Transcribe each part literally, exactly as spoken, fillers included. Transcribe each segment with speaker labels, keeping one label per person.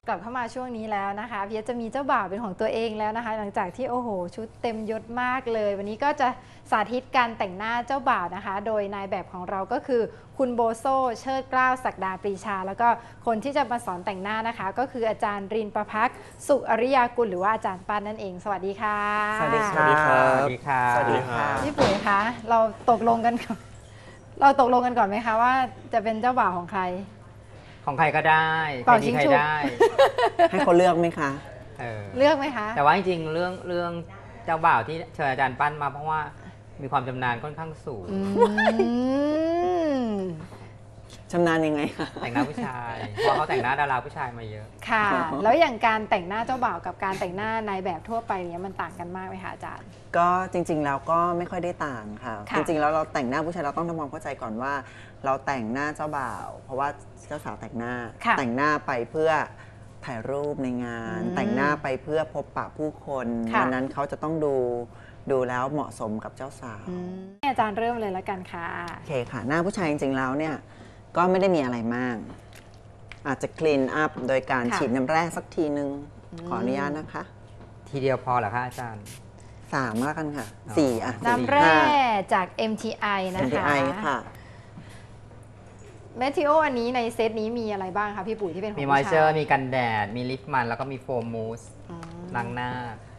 Speaker 1: กลับเข้ามาช่วงนี้แล้วนะคะพี่จะมีเจ้าบ่าวเป็นของตัวเองแล้วนะคะหลังจากที่โอ้โหชุดเต็มยศมากเลยวันนี้ก็จะสาธิตการแต่งหน้าเจ้าบ่าวนะคะโดยนายแบบของเราก็คือคุณโบโซเชิดเกล้าศักดาปรีชาแล้วก็คนที่จะมาสอนแต่งหน้านะคะก็คืออาจารย์รินประภักษ์สุอริยากุลหรือว่าอาจารย์ปานนั่นเองสวัสดีค่ะ
Speaker 2: สวัสดีค
Speaker 3: สวัสดีครั
Speaker 2: รับ
Speaker 3: สวัสดีค่ะ
Speaker 2: สวัสดีค่ะ
Speaker 1: พี่ปุ๋ยคะเราตกลงกันก่อนเราตกลงกันก่อนไหมคะว่าจะเป็นเจ้าบ่าวของใคร
Speaker 3: ของใครก็ได้ใค
Speaker 1: เป่าร
Speaker 3: ดี
Speaker 1: ชิง
Speaker 3: ใคร
Speaker 1: ฉุบ
Speaker 3: ได้
Speaker 2: ให้เขาเลือกไหมคะ
Speaker 3: เออ
Speaker 1: เลือกไหมคะ
Speaker 3: แต่ว่าจริงๆเรื่องเรื่องเจ้าบ่าวที่เชิญอาจารย์ปั้นมาเพราะว่ามีความชำนาญค่อนข้างสูง
Speaker 1: อืม
Speaker 2: ชำนาญยังไงคะ
Speaker 3: แต่งหน้าผู้ชาย เพราะเขาแต่งหน้าดาราผู้ชายมาเยอะ
Speaker 1: ค่ะ แล้วอย่างการแต่งหน้าเจ้าบ่าวกับการแต่งหน้านายแบบทั่วไปเนี้ยมันต่างกันมากไหมคะอาจารย์
Speaker 2: ก็จริงๆแล้วก็ไม่ค่อยได้ต่างค่ะ
Speaker 1: ค่ะ
Speaker 2: จริงๆแล้วเราแต่งหน้าผู้ชายเราต้องทำความเข้าใจก่อนว่า เราแต่งหน้าเจ้าบ่าว เพราะว่าเจ้าสาวแต่งหน้า
Speaker 1: ค่ะ
Speaker 2: แต่งหน้าไปเพื่อถ่ายรูปในงาน
Speaker 1: อืม
Speaker 2: แต่งหน้าไปเพื่อพบปะผู้คน
Speaker 1: ค่ะ
Speaker 2: ดังนั้นเขาจะต้องดูดูแล้วเหมาะสมกับเจ้าสาว
Speaker 1: อืมให้อาจารย์เริ่มเลยแล้วกันค่ะ
Speaker 2: โอเคค่ะ หน้าผู้ชายจริงๆแล้วเนี่ยก็ไม่ได้มีอะไรมาก อาจจะคลีนอัพโดยการ
Speaker 1: ค่ะ
Speaker 2: ฉีดน้ำแร่สักทีนึง
Speaker 1: อืม
Speaker 2: ขออนุญาตนะคะ
Speaker 3: ทีเดียวพอเหรอคะอาจารย์
Speaker 2: สามแล้วกันค่ะ
Speaker 3: อ๋อ
Speaker 2: สี่อ่ะ
Speaker 1: น้ำแร่จาก เอ็ม ที ไอ นะ
Speaker 2: เอ็ม ที
Speaker 1: คะ
Speaker 2: ไอค่ะ
Speaker 1: แมทริโออันนี้ในเซตนี้มีอะไรบ้างคะพี่ปุ๋ยที่เป็นของ
Speaker 3: มี
Speaker 1: ผู้
Speaker 3: มอยเจอ
Speaker 1: ชา
Speaker 3: ร์
Speaker 1: ย
Speaker 3: มีกันแดด มีลิปมัน แล้วก็มีโฟมมูส
Speaker 1: อืม
Speaker 3: ล้างหน้า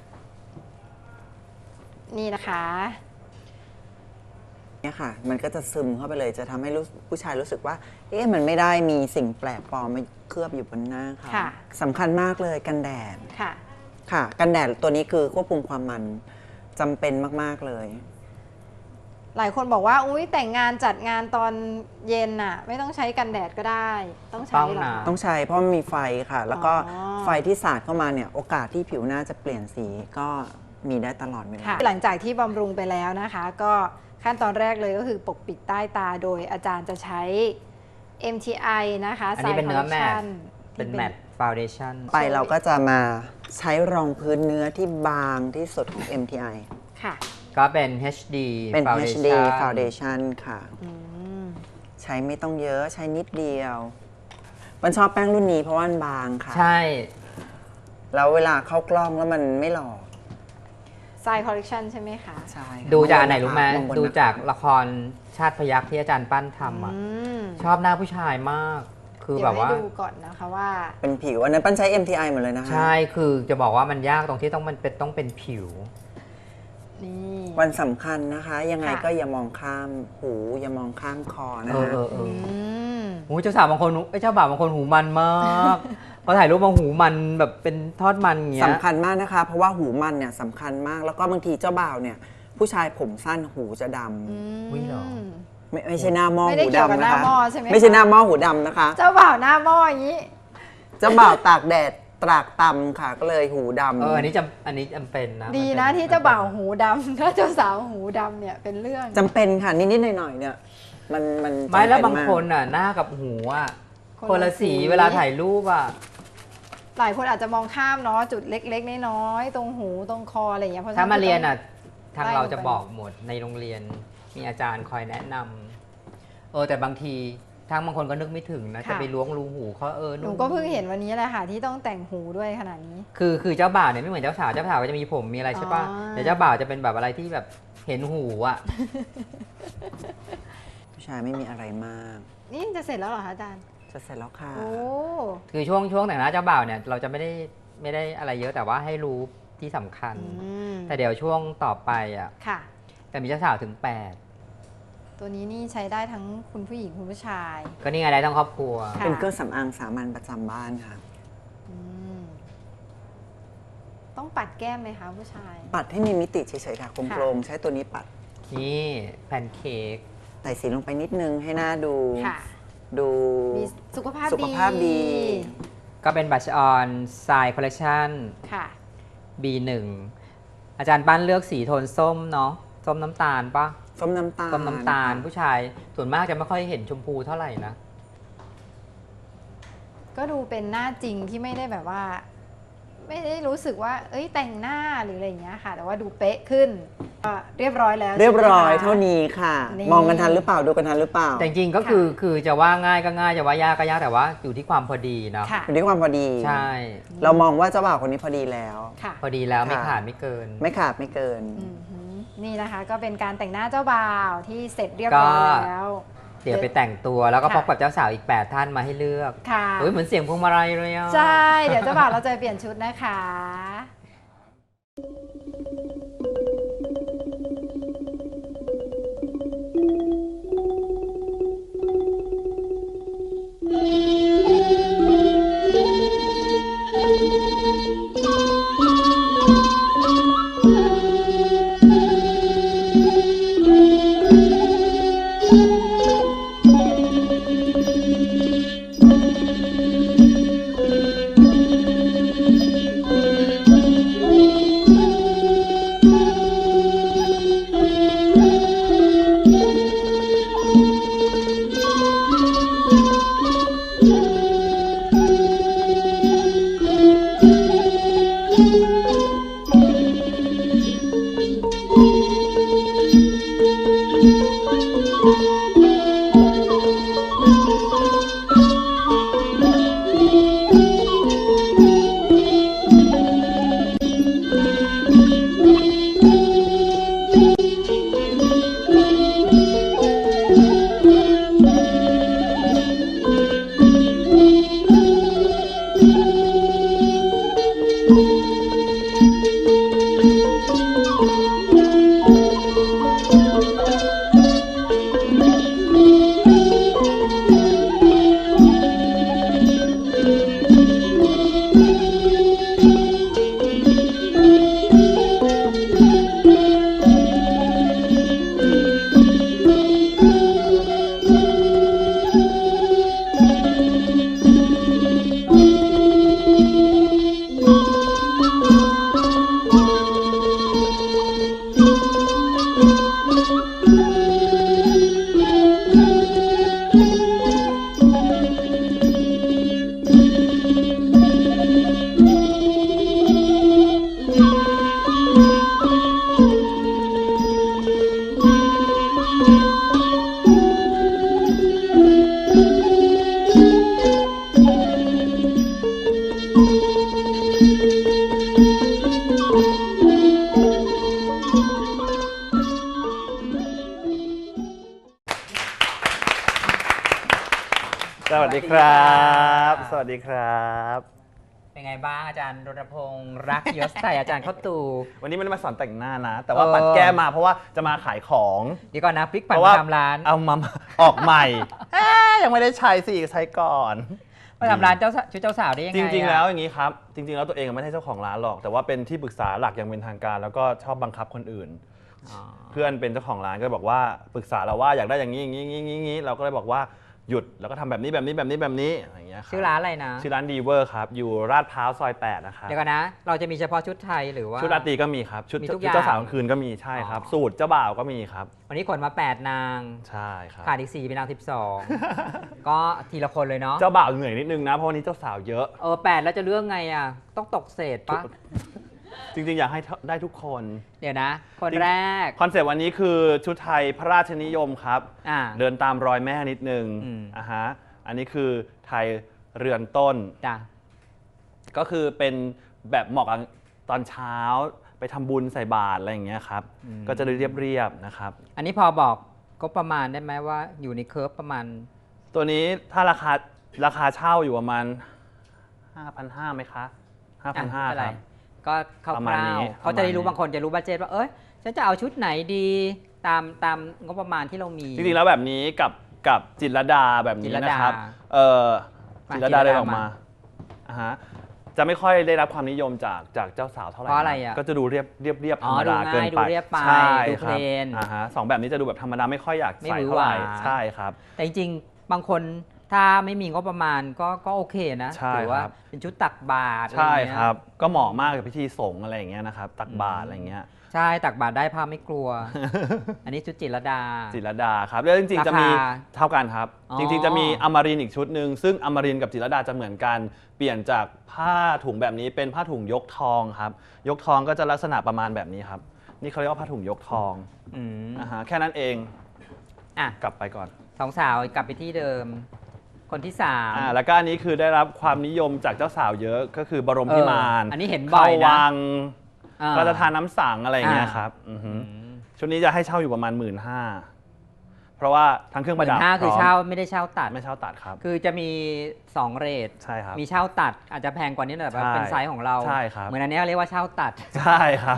Speaker 1: นี่นะคะ
Speaker 2: เนี่ยค่ะ มันก็จะซึมเข้าไปเลยจะทำให้รู้ผู้ชายรู้สึกว่า เอ๊ะมันไม่ได้มีสิ่งแปลกปลอมมาเคลือบอยู่บนหน้าค่ะ
Speaker 1: ค่ะ
Speaker 2: สำคัญมากเลยกันแดด
Speaker 1: ค่ะ
Speaker 2: ค่ะ กันแดดตัวนี้คือควบคุมความมันจำเป็นมากๆเลย
Speaker 1: หลายคนบอกว่าอุ้ยแต่งงานจัดงานตอนเย็นน่ะ ไม่ต้องใช้กันแดดก็ได้ ต้องใช้เหรอ
Speaker 3: ต้องนะ
Speaker 1: คะ
Speaker 2: ต้องใช้เพราะมันมีไฟค่ะ แล้วก็
Speaker 1: อ๋อ
Speaker 2: ไฟที่สาดเข้ามาเนี่ยโอกาสที่ผิวหน้าจะเปลี่ยนสีก็มีได้ตลอดเวลา
Speaker 1: ค่ะหลังจากที่บำรุงไปแล้วนะคะ ก็ขั้นตอนแรกเลยก็คือปกปิดใต้ตาโดยอาจารย์จะใช้ เอ็ม ที ไอ นะคะ
Speaker 3: อันนี้เป็นเนื้อแมท
Speaker 1: Collection
Speaker 3: เป็นแมทฟาวเดชั่น
Speaker 2: ไปเราก็จะมาใช้รองพื้นเนื้อที่บางที่สุดของ เอ็ม ที ไอ
Speaker 1: ค่ะ
Speaker 3: ก็เป็น เอช ดี
Speaker 2: เป็น เอช ดี
Speaker 3: Foundation
Speaker 2: Foundation ค่ะ
Speaker 1: อืม
Speaker 2: ใช้ไม่ต้องเยอะใช้นิดเดียวมันชอบแป้งรุ่นนี้เพราะว่ามันบางค่ะ
Speaker 3: ใช่
Speaker 2: แล้วเวลาเข้ากล้องแล้วมันไม่หลอก
Speaker 1: ไซคอลเลคชันใช่ไหมคะ
Speaker 2: ใช่ค่ะ
Speaker 3: ดูจากอันไหนรู้ไหม
Speaker 2: องบน
Speaker 3: ดู
Speaker 2: นะคะ
Speaker 3: จากละครชาติพยัคฆ์ที่อาจารย์ปั้นทำอ่ะ
Speaker 1: อืม
Speaker 3: ชอบหน้าผู้ชายมาก คือ
Speaker 1: เดี๋
Speaker 3: แบ
Speaker 1: ยว
Speaker 3: บ
Speaker 1: ให้
Speaker 3: ว่า
Speaker 1: ดูก่อนนะคะว่า
Speaker 2: เป็นผิวอันนั้นปั้นใช้ เอ็ม ที ไอ หมดเลยนะคะ
Speaker 3: ใช่ คือจะบอกว่ามันยากตรงที่ต้องมันเป็นต้องเป็นผิว
Speaker 1: นี่
Speaker 2: วันสำคัญนะคะ ยังไง
Speaker 1: ค่ะ
Speaker 2: ก็อย่ามองข้ามหูอย่ามองข้ามคอนะ
Speaker 3: เออ
Speaker 2: คะ
Speaker 3: เออเอ
Speaker 1: อื
Speaker 3: อ
Speaker 1: ม
Speaker 3: โอ้ยเจ้าสาวบางคนเอ้ยเจ้าบ่าวบางคนหูมันมากพอถ่ายรูปบางหูมันแบบเป็นทอดมันอย่างเงี้ย
Speaker 2: สำคัญมากนะคะ เพราะว่าหูมันเนี่ยสำคัญมาก แล้วก็บางทีเจ้าบ่าวเนี่ย ผู้ชายผมสั้นหูจะดำ
Speaker 1: อืม
Speaker 3: อุ๊ยเหรอ
Speaker 2: ไม่ไม่ใช่หน้าหม้อ
Speaker 1: ไม่ได้
Speaker 2: หู
Speaker 1: เกี่ยวกับ
Speaker 2: ดำ
Speaker 1: ห
Speaker 2: นะ
Speaker 1: น้า
Speaker 2: คะ
Speaker 1: หม้อใช่ไหมคะ
Speaker 2: ไม่ใช่หน้าหม้อหูดำนะคะ
Speaker 1: เจ้าบ่าวหน้าหม้ออย่างนี้
Speaker 2: เจ้าบ่าวตากแดดตรากตำค่ะ ก็เลยหูดำ
Speaker 3: เอออันนี้จำอันนี้จำเป็นนะ
Speaker 1: ดี
Speaker 3: มั
Speaker 1: นะ
Speaker 3: ป็
Speaker 1: ที่เจ้าบ่าวหูดำ ถ้าเจ้าสาวหูดำเนี่ยเป็นเรื่อง
Speaker 2: จำเป็นค่ะ นิด ๆ หน่อย ๆ เนี่ย มันมัน
Speaker 3: ไม่แล้ว
Speaker 2: จำเป็
Speaker 3: บาง
Speaker 2: มก
Speaker 3: คนอ่ะหน้ากับหูอ่ะ
Speaker 1: คน
Speaker 3: คน
Speaker 1: ละ
Speaker 3: ละ
Speaker 1: สี
Speaker 3: สีเวลาถ่ายรูปอ่ะ
Speaker 1: หลายคนอาจจะมองข้ามเนาะจุดเล็กๆน้อยๆตรงหูตรงคออะไรอย่างเงี้ยเพราะฉะ
Speaker 3: ถ้า
Speaker 1: นั้น
Speaker 3: มาเรียน
Speaker 1: ต้
Speaker 3: อ่ะ
Speaker 1: ง
Speaker 3: ทาง
Speaker 1: ไล่
Speaker 3: เรา
Speaker 1: ลงไป
Speaker 3: จะบอกหมดในโรงเรียนมีอาจารย์คอยแนะนำเออแต่บางทีทางบางคนก็นึกไม่ถึงนะ
Speaker 1: ค่ะ
Speaker 3: จะไปล้วงรูหูเขาเออ
Speaker 1: หนูก็เพิ่งเห็นวันนี้แหละค่ะที่ต้องแต่งหูด้วยขนาดนี้
Speaker 3: คือคือเจ้าบ่าวเนี่ยไม่เหมือนเจ้าสาวเจ้าสาวก็จะมีผมมีอะไรใช่ป่ะ
Speaker 1: อ๋อ
Speaker 3: แต่เจ้าบ่าวจะเป็นแบบอะไรที่แบบเห็นหูอ่ะ
Speaker 2: ผู้ชายไม่มีอะไรมาก
Speaker 1: นี่จะเสร็จแล้วเหรอคะอาจารย์
Speaker 2: จะเสร็จแล้วค่ะ
Speaker 1: โอ้
Speaker 3: คือช่วงช่วงแต่งหน้าเจ้าบ่าวเนี่ยเราจะไม่ได้ไม่ได้อะไรเยอะแต่ว่าให้รู้ที่สำคัญ
Speaker 1: อืม
Speaker 3: แต่เดี๋ยวช่วงต่อไปอ่ะ
Speaker 1: ค่ะ
Speaker 3: แต่มีเจ้าสาวถึงแปด
Speaker 1: ตัวนี้นี่ใช้ได้ทั้งคุณผู้หญิงคุณผู้ชาย
Speaker 3: ก็นี่ไงได้ทั้งครอบครัว
Speaker 1: ค่ะ
Speaker 2: เป็นเครื่องสำอางสามัญประจำบ้านค่ะ
Speaker 1: อืมต้องปัดแก้มไหมคะผู้ชาย
Speaker 2: ปัดให้มีมิติเฉยๆค่ะโครงๆใช้ตัวนี้ปัด
Speaker 3: นี่แพนเค้ก
Speaker 2: ใส่สีลงไปนิดนึงให้หน้าดู
Speaker 1: ค่ะ
Speaker 2: ดู
Speaker 1: มีสุขภาพ
Speaker 2: สุขภาพดี
Speaker 3: ก็เป็นบัชออนทรายคอลเลคชัน
Speaker 1: ค่ะ
Speaker 3: บี หนึ่ง อาจารย์ปั้นเลือกสีโทนส้มเนาะส้มน้ำตาลปะ
Speaker 2: ส้มน้ำตาล
Speaker 3: ส้มน้ำตาล
Speaker 2: ค่ะ
Speaker 3: ผู้ชายส่วนมากจะไม่ค่อยเห็นชมพูเท่าไหร่นะ
Speaker 1: ก็ดูเป็นหน้าจริงที่ไม่ได้แบบว่าไม่ได้รู้สึกว่าเอ้ยแต่งหน้าหรืออะไรอย่างเงี้ยค่ะ แต่ว่าดูเป๊ะขึ้นก็เรียบร้อยแล้ว
Speaker 2: เรียบร้อย
Speaker 1: ใช่ไหมคะ
Speaker 2: เท่านี้ค่ะ
Speaker 1: นี่
Speaker 2: มองกันทันหรือเปล่าดูกันทันหรือเปล่า
Speaker 3: แต่จริงๆก็คือคือจะว่าง่ายก็ง่ายจะว่ายากก็ยากแต่ว่าอยู่ที่ความพอดีเนาะ
Speaker 1: ค่ะ
Speaker 2: อยู่ที่ความพอดี
Speaker 3: ใช่
Speaker 2: เรามองว่าเจ้าบ่าวคนนี้พอดีแล้ว
Speaker 1: ค่ะ
Speaker 3: พอดีแล้วไม่
Speaker 2: ค่ะ
Speaker 3: ขาดไม่เกิน
Speaker 2: ไม่ขาดไม่เกิน
Speaker 1: อือหือนี่นะคะก็เป็นการแต่งหน้าเจ้าบ่าวที่เสร็จเรียบร้อย
Speaker 3: ก็
Speaker 1: แล้ว
Speaker 3: เดี๋ยวไปแต่งตัวแล้วก็
Speaker 1: ค่ะ
Speaker 3: พบกับเจ้าสาวอีกแปดท่านมาให้เลือก
Speaker 1: ค่ะ
Speaker 3: เฮ้ยเหมือนเสียงพวงมาลัยเลยอ่ะ
Speaker 1: ใช่ เดี๋ยวเจ้าบ่าวเราจะไปเปลี่ยนชุดนะคะ
Speaker 4: สวัสดีครับ สวัสดีครับ
Speaker 3: เป็นไงบ้างอาจารย์รณพงษ์รักยศใส่อาจารย์เข้าตู่
Speaker 4: วันนี้ไม่ได้มาสอนแต่งหน้านะ แต่ว่า
Speaker 3: เออ
Speaker 4: ปัดแก้มาเพราะว่าจะมาขายของ
Speaker 3: เดี๋ยวก่อนนะพลิก
Speaker 4: เพ
Speaker 3: ผัน
Speaker 4: ราะว่า
Speaker 3: มาทำร้าน
Speaker 4: เอามาออกใหม่ เอ๊ะยังไม่ได้ใช้สิใช้ก่อน
Speaker 3: มาทำร้านเจ้าสาวชุดเจ้าสาวได้ยังไง
Speaker 4: จริง ๆ
Speaker 3: อะ
Speaker 4: แล้วอย่างนี้ครับ จริง ๆ แล้วตัวเองไม่ใช่เจ้าของร้านหรอก แต่ว่าเป็นที่ปรึกษาหลักอย่างเป็นทางการ แล้วก็ชอบบังคับคนอื่น
Speaker 3: อ๋อ
Speaker 4: เพื่อนเป็นเจ้าของร้านก็บอกว่าปรึกษาเราว่าอยากได้อย่างนี้อย่างนี้อย่างนี้อย่างนี้เราก็เลยบอกว่าหยุดแล้วก็ทำแบบนี้แบบนี้แบบนี้แบบนี้อย่างเงี้ยครับ
Speaker 3: ชื่อร้านอะไรนะ
Speaker 4: ชื่อร้านดีเวอร์ครับอยู่ลาดพร้าวซอยแปดนะครับ
Speaker 3: เดี๋ยวก่อนนะ เราจะมีเฉพาะชุดไทยหรือว่า
Speaker 4: ชุดราตรีก็มีครับ ชุด
Speaker 3: มีทุก
Speaker 4: ชุด
Speaker 3: อย่าง
Speaker 4: เจ้าสาวกลางคืนก็มีใช่ครับ
Speaker 3: อ๋อ
Speaker 4: สูตรเจ้าบ่าวก็มีครับ
Speaker 3: วันนี้ขนมาแปดนาง
Speaker 4: ใช่ครับ
Speaker 3: ขาดอีกสี่เป็นนางสิบสอง ก็ทีละคนเลยเนาะ
Speaker 4: เจ้าบ่าวเหนื่อยนิดนึงนะเพราะวันนี้เจ้าสาวเยอะ
Speaker 3: เออแปดแล้วจะเรื่องไงอ่ะ ต้องตกเศษปะ
Speaker 4: จริงๆ อยากให้ได้ทุกคน
Speaker 3: เดี๋ยวนะ คนแรก
Speaker 4: คอนเซปต์วันนี้คือชุดไทยพระราชนิยมครับ
Speaker 3: อ่า
Speaker 4: เดินตามรอยแม่นิดนึง
Speaker 3: อืม
Speaker 4: อ่ะฮะอันนี้คือไทยเรือนต้น
Speaker 3: จ้ะ
Speaker 4: ก็คือเป็นแบบเหมาะกับตอนเช้าไปทำบุญใส่บาตรอะไรอย่างเงี้ยครับ ก็จะเรียบๆนะครับ
Speaker 3: อันนี้พอบอกก็ประมาณได้ไหมว่าอยู่ในเคิร์ฟประมาณ
Speaker 4: ตัวนี้ถ้าราคาราคาเช่าอยู่ประมาณ ห้าพันห้าร้อย ไหมคะ ห้าพันห้าร้อย
Speaker 3: อ่ะ
Speaker 4: ครับ
Speaker 3: ไม่เป็นไรก็คร่
Speaker 4: ประมาณ
Speaker 3: า
Speaker 4: นี้
Speaker 3: วๆเขาจะได้รู้
Speaker 4: ประมาณนี้
Speaker 3: บางคนจะรู้บัดเจ็ตว่าเอ้ยฉันจะเอาชุดไหนดีตามตามงบประมาณที่เรามี
Speaker 4: จริงๆแล้วแบบนี้กับกับจิตรลดาแบบนี้
Speaker 3: จิตรลดา
Speaker 4: นะครับเออ
Speaker 3: มา
Speaker 4: จิตรลดา
Speaker 3: จิตรลดา
Speaker 4: เดินออกมา
Speaker 3: มา
Speaker 4: อ่ะฮะจะไม่ค่อยได้รับความนิยมจากจากเจ้าสาวเท่าไหร่
Speaker 3: เพราะอะไร
Speaker 4: น
Speaker 3: อ่ะ
Speaker 4: ก็จะดูเรียบเรียบเรียบธ
Speaker 3: อ๋
Speaker 4: ร
Speaker 3: อ
Speaker 4: รมดา
Speaker 3: ดูง่าย
Speaker 4: เกินไป
Speaker 3: ดูเรียบไป
Speaker 4: ใช่
Speaker 3: ดู
Speaker 4: ครับ
Speaker 3: เพลน
Speaker 4: อ่าฮะสองแบบนี้จะดูแบบธรรมดาไม่ค่อยอยาก
Speaker 3: ไม่
Speaker 4: ใส่
Speaker 3: หวือ
Speaker 4: เท่าไหร่
Speaker 3: หวา
Speaker 4: ใช่ครับ
Speaker 3: แต่จริงๆ บางคนถ้าไม่มีงบประมาณก็ก็โอเคนะ
Speaker 4: ใช่
Speaker 3: ถืว่า
Speaker 4: ครับ
Speaker 3: เป็นชุดตักบาตร
Speaker 4: ใช่
Speaker 3: อะไอย่างเงี้ย
Speaker 4: ครับ ก็เหมาะมากกับพิธีสงฆ์อะไรอย่างเงี้ยนะครับ ตักบาตรอะไรอย่างเงี้ย
Speaker 3: ใช่ตักบาตรได้พระไม่กลัว อันนี้ชุดจิตรลดา
Speaker 4: จิตรลดาครับแล้วจริงๆจะมี
Speaker 3: ราคา
Speaker 4: เท่ากันครับ
Speaker 3: อ๋อ
Speaker 4: จริงๆจะมีอมรินทร์อีกชุดหนึ่งซึ่งอมรินทร์กับจิตรลดาจะเหมือนกันเปลี่ยนจากผ้าถุงแบบนี้เป็นผ้าถุงยกทองครับยกทองก็จะลักษณะประมาณแบบนี้ครับนี่เขาเรียกว่าผ้าถุงยกทอง
Speaker 3: อืม
Speaker 4: นะฮะแค่นั้นเอง
Speaker 3: อ่ะ
Speaker 4: กลับไปก่อน
Speaker 3: สองสาวกลับไปที่เดิม คนที่สาม
Speaker 4: อ่าแล้วก็อันนี้คือได้รับความนิยมจากเจ้าสาวเยอะก็คือบรมพิมาน
Speaker 3: เอออันนี้เห็นบ่อยนะ
Speaker 4: เข้าวัง
Speaker 3: อ่า
Speaker 4: พระราชทานน้ำสังอะไรอย่างเงี้ย
Speaker 3: อ่า
Speaker 4: ครับอือฮึ
Speaker 3: อืม
Speaker 4: ชุดนี้จะให้เช่าอยู่ประมาณ หมื่นห้าพัน เพราะว่าทั้งเครื่อง
Speaker 3: ห
Speaker 4: ประ
Speaker 3: มื่
Speaker 4: ดับ
Speaker 3: นห้าคือ
Speaker 4: พร้ม
Speaker 3: เช่าไม่ได้เช่าตัด
Speaker 4: ไม่เช่าตัดครับ
Speaker 3: คือจะมีสองเรท
Speaker 4: ใช่ครับ
Speaker 3: มีเช่าตัดอาจจะแพงกว่านี้หน่อยแต่ว่า
Speaker 4: ใช่
Speaker 3: เป็นไซส์ของเรา
Speaker 4: ใช่ครับ
Speaker 3: เหมือนอันเนี้ยเรียกว่าเช่าตัด
Speaker 4: ใช่ครับ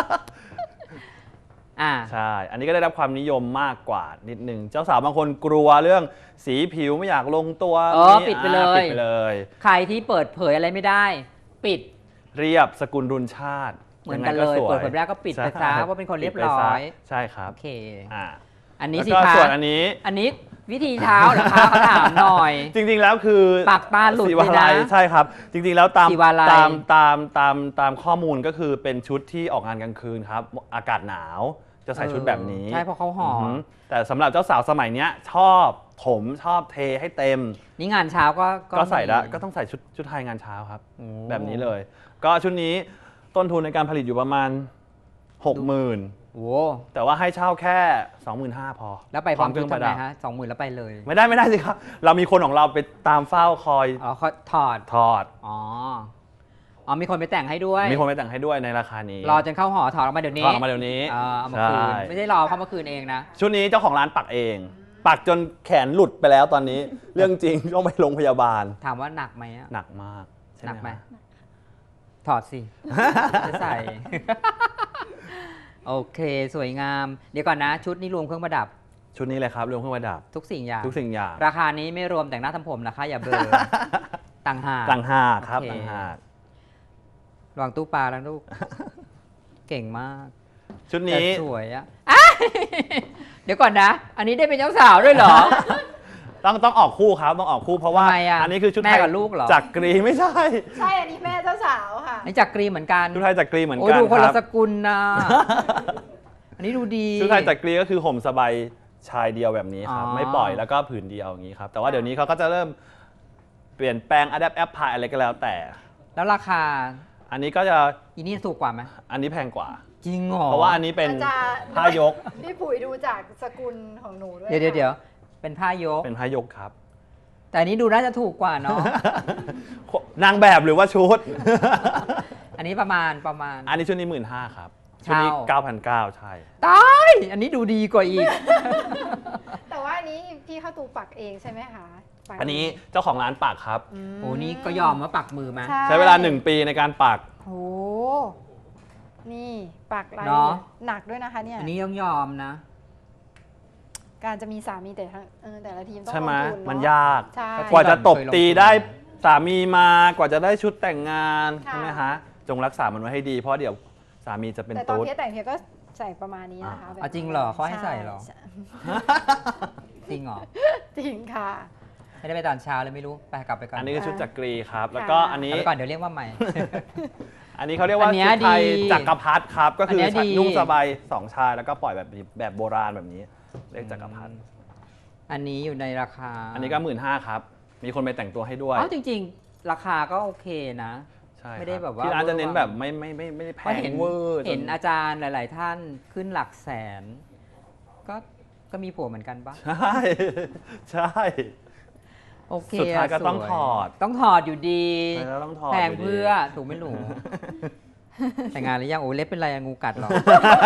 Speaker 3: อ่า
Speaker 4: ใช่ อันนี้ก็ได้รับความนิยมมากกว่านิดนึง เจ้าสาวบางคนกลัวเรื่องสีผิวไม่อยากลงตัว
Speaker 3: อ๋อ
Speaker 4: นี่
Speaker 3: ปิดไปเลย
Speaker 4: อ่าปิดไปเลย
Speaker 3: ใครที่เปิดเผยอะไรไม่ได้ ปิด
Speaker 4: เรียบสกุลรุนชาติ
Speaker 3: เหมือนกันเลย
Speaker 4: งไงสว
Speaker 3: เปิดเผยไม่ได้ก็ปิดไปซะ
Speaker 4: ใช่
Speaker 3: ว่าเป็นคนเรียบ
Speaker 4: ปิดไป
Speaker 3: ร้
Speaker 4: ซะ
Speaker 3: อย
Speaker 4: ใช่ครับ
Speaker 3: โอเค
Speaker 4: อ่า
Speaker 3: อันนี้
Speaker 4: แล้ว
Speaker 3: สิ
Speaker 4: ก็
Speaker 3: คะ
Speaker 4: ส่วนอันนี้
Speaker 3: อันนี้วิธีเช้าเหรอคะเขาถามหน่อย
Speaker 4: จริงๆแล้วคือ
Speaker 3: ปากตาหลุด
Speaker 4: สี
Speaker 3: เล
Speaker 4: วาย
Speaker 3: นะ
Speaker 4: ลัยใช่ครับ จริงๆแล้วตาม
Speaker 3: สีวาลัย
Speaker 4: ตามตามตามตามข้อมูลก็คือเป็นชุดที่ออกงานกลางคืนครับ อากาศหนาวจะใส่ชุดแบบนี้
Speaker 3: ใช่เพราะเขาห่ออ
Speaker 4: อฮึแต่สำหรับเจ้าสาวสมัยเนี้ยชอบถมชอบเทให้เต็ม
Speaker 3: นี่งานเช้าก็
Speaker 4: ก็ใส่ได้
Speaker 3: มี
Speaker 4: ก็ต้องใส่ชุดชุดไทยงานเช้าครับ
Speaker 3: โอ้
Speaker 4: แบบนี้เลย ก็ชุดนี้ต้นทุนในการผลิตอยู่ประมาณ หกหมื่น
Speaker 3: โอ้
Speaker 4: แต่ว่าให้เช่าแค่ สองหมื่นห้าพัน พอ
Speaker 3: แล้วไปพร้อม
Speaker 4: เค
Speaker 3: ชุ
Speaker 4: รื่
Speaker 3: ด
Speaker 4: องป
Speaker 3: ทำ
Speaker 4: ระ
Speaker 3: ไง
Speaker 4: ดับ
Speaker 3: ฮะสองหมื่นแล้วไปเลย
Speaker 4: ไม่ได้ไม่ได้สิครับ เรามีคนของเราไปตามเฝ้าคอย
Speaker 3: อ๋อเขาถอด
Speaker 4: ถอด
Speaker 3: อ๋อ อ๋อมีคนไปแต่งให้ด้วย
Speaker 4: มีคนไปแต่งให้ด้วยในราคานี้
Speaker 3: รอจนเข้าหอถอดออกมาเดี๋ยวนี้
Speaker 4: ถอดออกมาเดี๋ยวนี้
Speaker 3: เออเอามาคืน
Speaker 4: ใช่
Speaker 3: ไม่ใช่รอเข้ามาคืนเองนะ
Speaker 4: ชุดนี้เจ้าของร้านปักเอง ปักจนแขนหลุดไปแล้วตอนนี้ เรื่องจริงต้องไปโรงพยาบาล
Speaker 3: ถามว่าหนักไหมอะ
Speaker 4: หนักมากใช่
Speaker 3: หนักไหม
Speaker 4: คะ
Speaker 3: ถอดสิ จะใส่ โอเคสวยงาม เดี๋ยวก่อนนะ ชุดนี้รวมเครื่องประดับ
Speaker 4: ชุดนี้เลยครับรวมเครื่องประดับ
Speaker 3: ทุกสิ่งอย่าง
Speaker 4: ทุกสิ่งอย่าง
Speaker 3: ราคานี้ไม่รวมแต่งหน้าทำผมนะคะ อย่าเบลอ ต่างหาก
Speaker 4: ต่างหากครับ
Speaker 3: โอเค
Speaker 4: ต่างหาก
Speaker 3: ระวังตู้ปลาแล้วลูก เก่งมาก
Speaker 4: ชุด
Speaker 3: แต่
Speaker 4: นี้
Speaker 3: สวยอะอ่ะ เดี๋ยวก่อนนะ อันนี้ได้เป็นเจ้าสาวด้วยเหรอ
Speaker 4: ต้องต้องออกคู่ครับต้องออกคู่เพราะว่า
Speaker 3: ทำไมอะ
Speaker 4: อันนี้คือชุด
Speaker 3: แม่
Speaker 4: ไทย
Speaker 3: กับลูกเหรอ
Speaker 4: จากกรีไม่ใช่
Speaker 1: ใช่ อันนี้แม่เจ้าสาวค่ะ
Speaker 3: นี่จากกรีเหมือนกัน
Speaker 4: ชุดไทยจากกรีเหมือน
Speaker 3: โอ้ย
Speaker 4: กัน
Speaker 3: ดูคน
Speaker 4: ค
Speaker 3: ละ
Speaker 4: รับ
Speaker 3: สกุลนะ อันนี้ดูดี
Speaker 4: ชุดไทยจากกรีก็คือห่มสบายชายเดียวแบบนี้ครับ
Speaker 3: อ๋อ
Speaker 4: ไม่ปล่อยแล้วก็ผืนเดียวอย่างนี้ครับแต่ว่าเดี๋ยวนี้เขาก็จะเริ่มเปลี่ยนแปลง adapt app พายอะไรก็แล้วแต่
Speaker 3: แล้วราคา
Speaker 4: อันนี้ก็จะ
Speaker 3: อีนี่ถูกกว่าไหม
Speaker 4: อันนี้แพงกว่า
Speaker 3: จริงเหรอ
Speaker 4: เพราะว่าอันนี้เป็น
Speaker 1: อาจารย์
Speaker 4: ผ้ายก
Speaker 1: พี่ปุ๋ยดูจากสกุลของหนูด้วย
Speaker 3: เดี๋ยวเดี๋ยว
Speaker 1: ค่ะ
Speaker 3: เดี๋ยวเป็นผ้ายก
Speaker 4: เป็นผ้ายกครับ
Speaker 3: แต่อันนี้ดูน่าจะถูกกว่าเนาะ
Speaker 4: นางแบบหรือว่าชุด
Speaker 3: อันนี้ประมาณประมาณ
Speaker 4: อันนี้ชุดนี้หมื่นห้าครับชุดนี้
Speaker 3: เช่า
Speaker 4: เก้าพันเก้าใช่
Speaker 3: ตายอันนี้ดูดีกว่าอีก
Speaker 1: แต่ว่าอันนี้พี่เข้าตูปักเองใช่ไหมคะปัก
Speaker 4: อันนี้เจ้าของร้านปักครับ
Speaker 1: ม
Speaker 3: โอ้นี่ก็ยอมมาปักมือมา
Speaker 4: ใช้เวลาหนึ่งปีในการปัก
Speaker 1: โอ้นี่ปักลาย
Speaker 3: เนาะ
Speaker 1: หนักด้วยนะคะเนี่ย
Speaker 3: อันนี้ต้องยอมนะ
Speaker 1: การจะมีสามีแต่ทั้งเออแต่ละทีมต้อง
Speaker 4: ใช่ไหม
Speaker 1: ลงทุนเนอะ
Speaker 4: มันยาก
Speaker 1: ใช่
Speaker 4: กว่าจะตบ
Speaker 3: เคยลงทุน
Speaker 4: ตีได้สามีมากว่าจะได้ชุดแต่งงาน
Speaker 1: ค่ะ
Speaker 4: ใช่ไหมฮะจงรักษามันไว้ให้ดีเพราะเดี๋ยวสามีจะเป็น
Speaker 1: แต่ตอน
Speaker 4: ตุ๊ด
Speaker 1: เพียแต่งเพียก็ใส่ประมาณนี้นะคะ
Speaker 4: อ่า
Speaker 1: แบบ
Speaker 3: เอาจริงเหรอเขาให้ใส่เหรอ
Speaker 1: ช่
Speaker 3: จริงเหรอ
Speaker 1: จริงค่ะ
Speaker 3: ไม่ได้ไปตอนเช้าเลยไม่รู้ ไปกลับไปก่อน
Speaker 4: อันนี้คือชุดจักรีครับ
Speaker 1: ค่ะ
Speaker 4: แล้วก็อัน
Speaker 3: ก
Speaker 4: นี้
Speaker 3: ลับไปก่อนเดี๋ยวเรียกว่าใหม่
Speaker 4: อันนี้เขาเรียกว่า
Speaker 3: อันเนี้ย
Speaker 4: ชุดไทย
Speaker 3: ดี
Speaker 4: จักรพรรดิครับ ก็คืออน
Speaker 3: เนี้ยดี
Speaker 4: นุ่งสบายสองชายแล้วก็ปล่อยแบบแบบโบราณแบบนี้เรียกจักรพรรดิ
Speaker 3: อันนี้อยู่ในราคา
Speaker 4: อันนี้ก็หมื่นห้าครับ มีคนไปแต่งตัวให้ด้วย
Speaker 3: อ๋อจริง ๆ ราคาก็โอเคนะ
Speaker 4: ใช่
Speaker 3: ไม่ได้
Speaker 4: ค
Speaker 3: แบ
Speaker 4: รับบ
Speaker 3: ว่า
Speaker 4: ที่ร้านจะเน้น
Speaker 3: เวอร์วัง
Speaker 4: แบบไม่ไม่ไม่ไม่ได้แพ
Speaker 3: เพราะ
Speaker 4: ง
Speaker 3: เห็น
Speaker 4: เวอร์จ
Speaker 3: เห็นอาจารย์หลาย ๆ ท่านขึ้นหลักแสน ก็ก็มีผัวเหมือนกันปะ
Speaker 4: ใช่ใช่
Speaker 3: โอเค
Speaker 4: สุดท้ายก็
Speaker 3: ะ
Speaker 4: ต้อง
Speaker 3: สวย
Speaker 4: ถอด
Speaker 3: ต้องถอดอยู่ดี
Speaker 4: แล้วต้องถอด
Speaker 3: แพง
Speaker 4: ยู่ดี
Speaker 3: เพื่อถูกไม่หนู แต่งงานหรือยังโอ้เล็บเป็นไรอะงูกัดเหรอ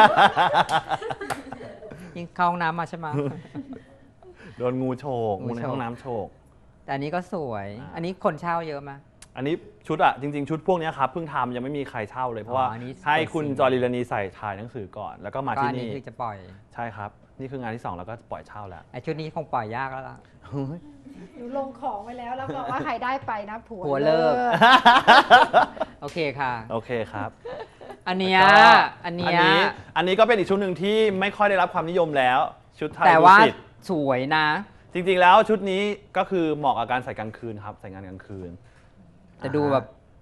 Speaker 3: ยิงเข้าห้องน้ำมาใช่ไหม
Speaker 4: โดนงูโฉก
Speaker 3: งู
Speaker 4: งูใน
Speaker 3: โฉก
Speaker 4: ห้องน้ำโฉก
Speaker 3: แต่อันนี้ก็สวย
Speaker 4: อ่า
Speaker 3: อันนี้คนเช่าเยอะไหม
Speaker 4: อันนี้ชุดอะจริง ๆ ชุดพวกเนี้ยครับเพิ่งทำยังไม่มีใครเช่าเลยเพราะว่า
Speaker 3: อ๋ออันนี้
Speaker 4: ให้คุณ
Speaker 3: เปิดซิง
Speaker 4: จอรีลานีใส่ถ่ายหนังสือก่อน แล้วก็มา
Speaker 3: ก็
Speaker 4: ที่
Speaker 3: อันนี้
Speaker 4: นี่
Speaker 3: คือจะปล่อย
Speaker 4: ใช่ครับ นี่คืองานที่สองแล้วก็ปล่อยเช่าแล้ว
Speaker 3: ไอชุดนี้คงปล่อยยากแล้วล่ะ
Speaker 1: หนูลงของไว้แล้วแล้วบอกว่าใครได้ไปนะผัว
Speaker 3: ผัวเลิก โอเคค่ะ
Speaker 4: โอเคครับ
Speaker 3: อันเนี้ย
Speaker 4: แล้วก็
Speaker 3: อัน
Speaker 4: อั
Speaker 3: เนี้
Speaker 4: น
Speaker 3: ย
Speaker 4: นี้อันนี้ก็เป็นอีกชุดหนึ่งที่ไม่ค่อยได้รับความนิยมแล้ว ชุดไทย
Speaker 3: แต่ว่า
Speaker 4: ดุสิต
Speaker 3: สวยนะ
Speaker 4: จริงๆแล้วชุดนี้ก็คือเหมาะกับการใส่กลางคืนครับใส่งานกลางคืน
Speaker 3: แต่ดูแบบ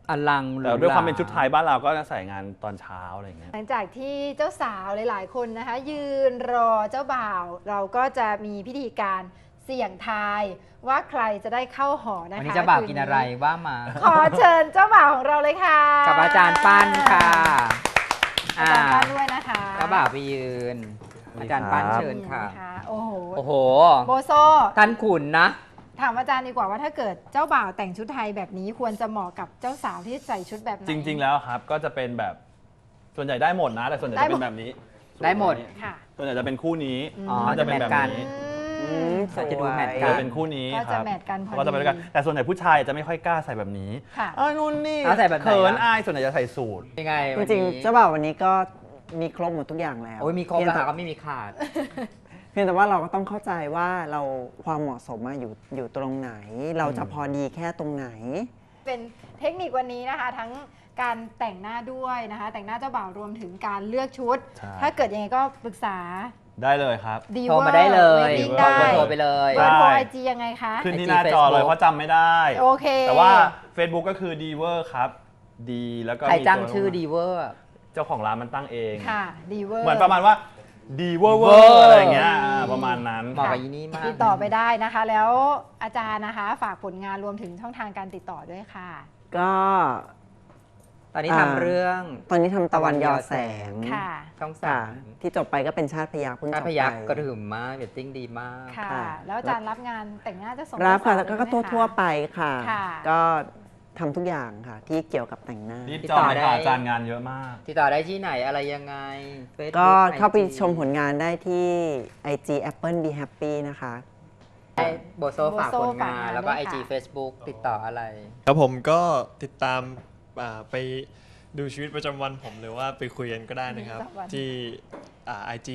Speaker 3: อลังหรู
Speaker 4: แต่ด้วยความเป็น
Speaker 3: ห
Speaker 4: ชุดไทยบ้านเราก็จะใส่งานตอนเช้าอะไรอย่างเงี้ย
Speaker 1: หลังจากที่เจ้าสาวหลาย ๆ คนนะคะ ยืนรอเจ้าบ่าว เราก็จะมีพิธีการเสี่ยงทายว่าใครจะได้เข้าหอนะคะ
Speaker 3: วันนี้เจ้าบ่าวกินอะไรว่ามา
Speaker 1: ขอเชิญเจ้าบ่าวของเราเลยค่ะ
Speaker 3: กับอาจารย์ปั้นค่ะ
Speaker 1: อาจารย์ปั้นด้วยนะคะ
Speaker 3: เจ้าบ่าวไปยืน อาจารย์ปั้นเชิญค่ะ
Speaker 1: นี่นโอ้โห
Speaker 3: โอ้โห
Speaker 1: โบโซ
Speaker 3: ท่านขุนนะ
Speaker 1: ถามอาจารย์ดีกว่าว่าถ้าเกิดเจ้าบ่าวแต่งชุดไทยแบบนี้ควรจะเหมาะกับเจ้าสาวที่ใส่ชุดแบบไหน
Speaker 4: จริง ๆ แล้วครับก็จะเป็นแบบส่วนใหญ่ได้หมดนะ แต่ส่วนใหญ่
Speaker 1: ได้
Speaker 4: จะ
Speaker 1: หม
Speaker 4: เป็
Speaker 1: ด
Speaker 4: นแบบนี้
Speaker 3: ได้หมด
Speaker 1: ค่ะ
Speaker 4: ส่วนใหญ่จะเป็นคู่นี้
Speaker 3: อ๋อ
Speaker 4: จะเป็นแบบ
Speaker 3: จะแมทกัน
Speaker 4: นี้
Speaker 1: อืม
Speaker 3: ก็จะดูแมทกั
Speaker 4: จะ
Speaker 3: น
Speaker 4: เป็นคู่นี้
Speaker 1: ก็
Speaker 4: ค
Speaker 1: จะ
Speaker 4: รับ
Speaker 1: แมทกันพอดี
Speaker 4: ก็จะไปด้วยกันแต่ส่วนใหญ่ผู้ชายจะไม่ค่อยกล้าใส่แบบนี้
Speaker 1: ค่ะ
Speaker 4: เออนู่นนี่
Speaker 3: เอาใส่แบบไหน
Speaker 4: เขิน
Speaker 3: ล่ะ
Speaker 4: อายส่วนใหญ่จะใส่สูท
Speaker 3: ยังไง
Speaker 2: จ
Speaker 3: วัน
Speaker 2: ริง
Speaker 3: นี้
Speaker 2: ๆเจ้าบ่าววันนี้ก็มีครบหมดทุกอย่างแล้ว
Speaker 3: โอ้ยมีครบ
Speaker 2: เพียง
Speaker 3: แล้ว
Speaker 2: แต่
Speaker 3: ค่ะก็ไม่มีขาด
Speaker 2: เพียงแต่ว่าเราก็ต้องเข้าใจว่าเราความเหมาะสมอะอยู่อยู่ตรงไหน เราจะพอดีแค่ตรงไหน
Speaker 1: เป็นเทคนิควันนี้นะคะ ทั้งการแต่งหน้าด้วยนะคะ แต่งหน้าเจ้าบ่าวรวมถึงการเลือกชุด
Speaker 4: ใช่
Speaker 1: ถ้าเกิดยังไงก็ปรึกษา
Speaker 4: ได้เลยครับ
Speaker 1: ดี
Speaker 3: โทรมาได้เลย
Speaker 1: ดิ้ง
Speaker 3: บอก
Speaker 1: ได้
Speaker 3: เบอร์โทรไปเลย
Speaker 1: เบอร์โทร
Speaker 4: ได้
Speaker 1: ไอจียังไงคะ
Speaker 4: ขึ้นที่
Speaker 3: ไอจี
Speaker 4: หน้าจอเลย
Speaker 3: Facebook
Speaker 4: เพราะจำไม่ได้
Speaker 1: โอเค
Speaker 4: แต่ว่า Facebook ก็คือ d e v e r ครับดีแล้วก็
Speaker 3: ใคร
Speaker 4: มี
Speaker 3: จ้าง
Speaker 4: ตัว
Speaker 3: ชื่อดีเวอร์
Speaker 4: เจ้าของร้านมันตั้งเอง
Speaker 1: ค่ะดีเวอร์
Speaker 4: เหมือนประมาณว่าดีเวอร์เวอ
Speaker 3: Diver
Speaker 4: ร์อะไรอย่างเงี้ยอ่าประมาณนั้น
Speaker 3: เหมาะกับอีนี่มาก
Speaker 1: ติดต่อไปได้นะคะ แล้วอาจารย์นะคะ ฝากผลงานรวมถึงช่องทางการติดต่อด้วยค่ะ
Speaker 2: ก็
Speaker 3: ตอนนี้
Speaker 2: อ่า
Speaker 3: ทำเรื่อง
Speaker 2: ตอนนี้ทำตะวันยอแสง
Speaker 1: ค่ะ
Speaker 3: ช่อง
Speaker 2: ค่ะ
Speaker 3: สาม
Speaker 2: ที่จบไปก็เป็นชาติพยัคฆ์เพิ่งจ
Speaker 3: ถ้า
Speaker 2: บ
Speaker 3: พ
Speaker 2: ไป
Speaker 3: ยักกระหึ่มมากเรตติ้งดีมาก
Speaker 1: ค่ะ
Speaker 2: ค่ะ
Speaker 1: แล้วอาจารย์รับงานแต่งหน้าจะส่ง
Speaker 2: รับค่ะ
Speaker 1: เจ้าสา
Speaker 2: แล้วก็
Speaker 1: เลยไหม
Speaker 2: ทั่ว
Speaker 1: คะ
Speaker 2: ทั่วๆไปค่ะ
Speaker 1: ค่ะ
Speaker 2: ก็ทำทุกอย่างค่ะ ที่เกี่ยวกับแต่งหน้า
Speaker 4: รีบ
Speaker 3: ติด
Speaker 4: จอ
Speaker 3: ต่
Speaker 4: ง
Speaker 3: อ
Speaker 4: เลย
Speaker 3: ได้
Speaker 4: ค่ะอาจารย์งานเยอะมาก
Speaker 3: ติดต่อได้ที่ไหนอะไรยังไง Facebook
Speaker 2: ก็เข้าไป
Speaker 3: ไอจี
Speaker 2: ชมผลงานได้ที่ ไอ จี Apple Be Happy นะคะ
Speaker 3: ให้โบโซฝาก
Speaker 1: โบโซ่
Speaker 3: ผล
Speaker 1: ฝากาน
Speaker 3: งางน แล้วก็
Speaker 1: ด้วย
Speaker 3: ไอ
Speaker 1: ค่ะ
Speaker 3: จี Facebook ติดต่ออะไร
Speaker 5: ครับผมก็ติดตามอ่าไปดูชีวิตประจำวันผมหรือว่าไปคุยกันก็ได้นะครับ
Speaker 1: ประจำวัน
Speaker 5: ที่ไอจี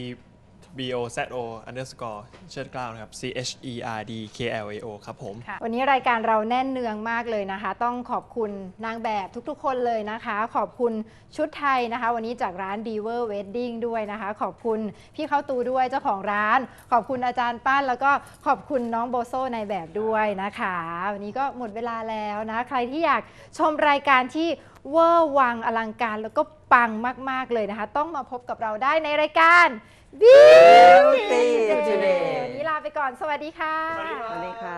Speaker 5: b o z o underscore เชิดเกล้านะครับ c h e r d k l a o ครับผม
Speaker 1: ค่ะวันนี้รายการเราแน่นเนืองมากเลยนะคะ ต้องขอบคุณนางแบบทุกๆ คนเลยนะคะ ขอบคุณชุดไทยนะคะ วันนี้จากร้าน Diver Wedding ด้วยนะคะ ขอบคุณพี่เข้าตูด้วยเจ้าของร้าน ขอบคุณอาจารย์ปั้นแล้วก็ขอบคุณน้องโบโซในแบบด้วยนะคะ วันนี้ก็หมดเวลาแล้วนะ ใครที่อยากชมรายการที่เวอร์วังอลังการแล้วก็ปังมากๆเลยนะคะ ต้องมาพบกับเราได้ในรายการ Beauty Today วันนี้ลาไปก่อนสวัสดีค่ะ
Speaker 2: สวัสดีค่ะ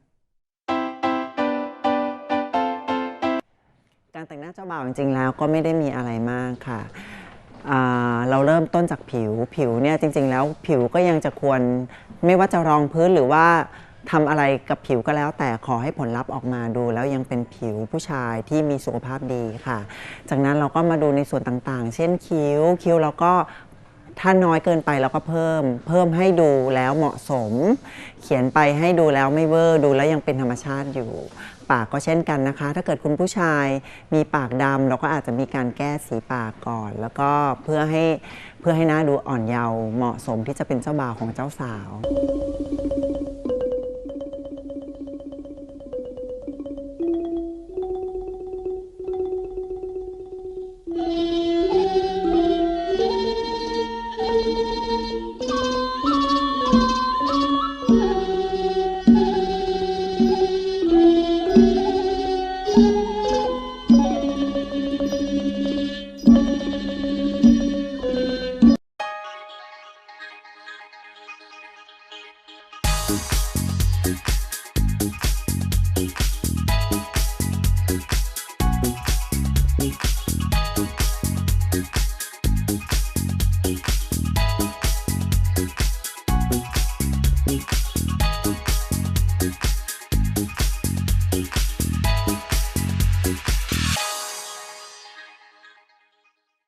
Speaker 2: การแต่งหน้าเจ้าบ่าวจริงๆแล้วก็ไม่ได้มีอะไรมากค่ะอ่าเราเริ่มต้นจากผิวผิวเนี่ยจริงๆแล้วผิวก็ยังจะควรไม่ว่าจะรองพื้นหรือว่าทำอะไรกับผิวก็แล้ว แต่ขอให้ผลลัพธ์ออกมาดูแล้วยังเป็นผิวผู้ชายที่มีสุขภาพดีค่ะ จากนั้นเราก็มาดูในส่วนต่างๆ เช่นคิ้วคิ้วเราก็ถ้าน้อยเกินไปเราก็เพิ่ม เพิ่มให้ดูแล้วเหมาะสม เขียนไปให้ดูแล้วไม่เวอร์ดูแล้วยังเป็นธรรมชาติอยู่ ปากก็เช่นกันนะคะ ถ้าเกิดคุณผู้ชายมีปากดำเราก็อาจจะมีการแก้สีปากก่อน แล้วก็เพื่อให้เพื่อให้หน้าดูอ่อนเยาว์เหมาะสมที่จะเป็นเจ้าบ่าวของเจ้าสาว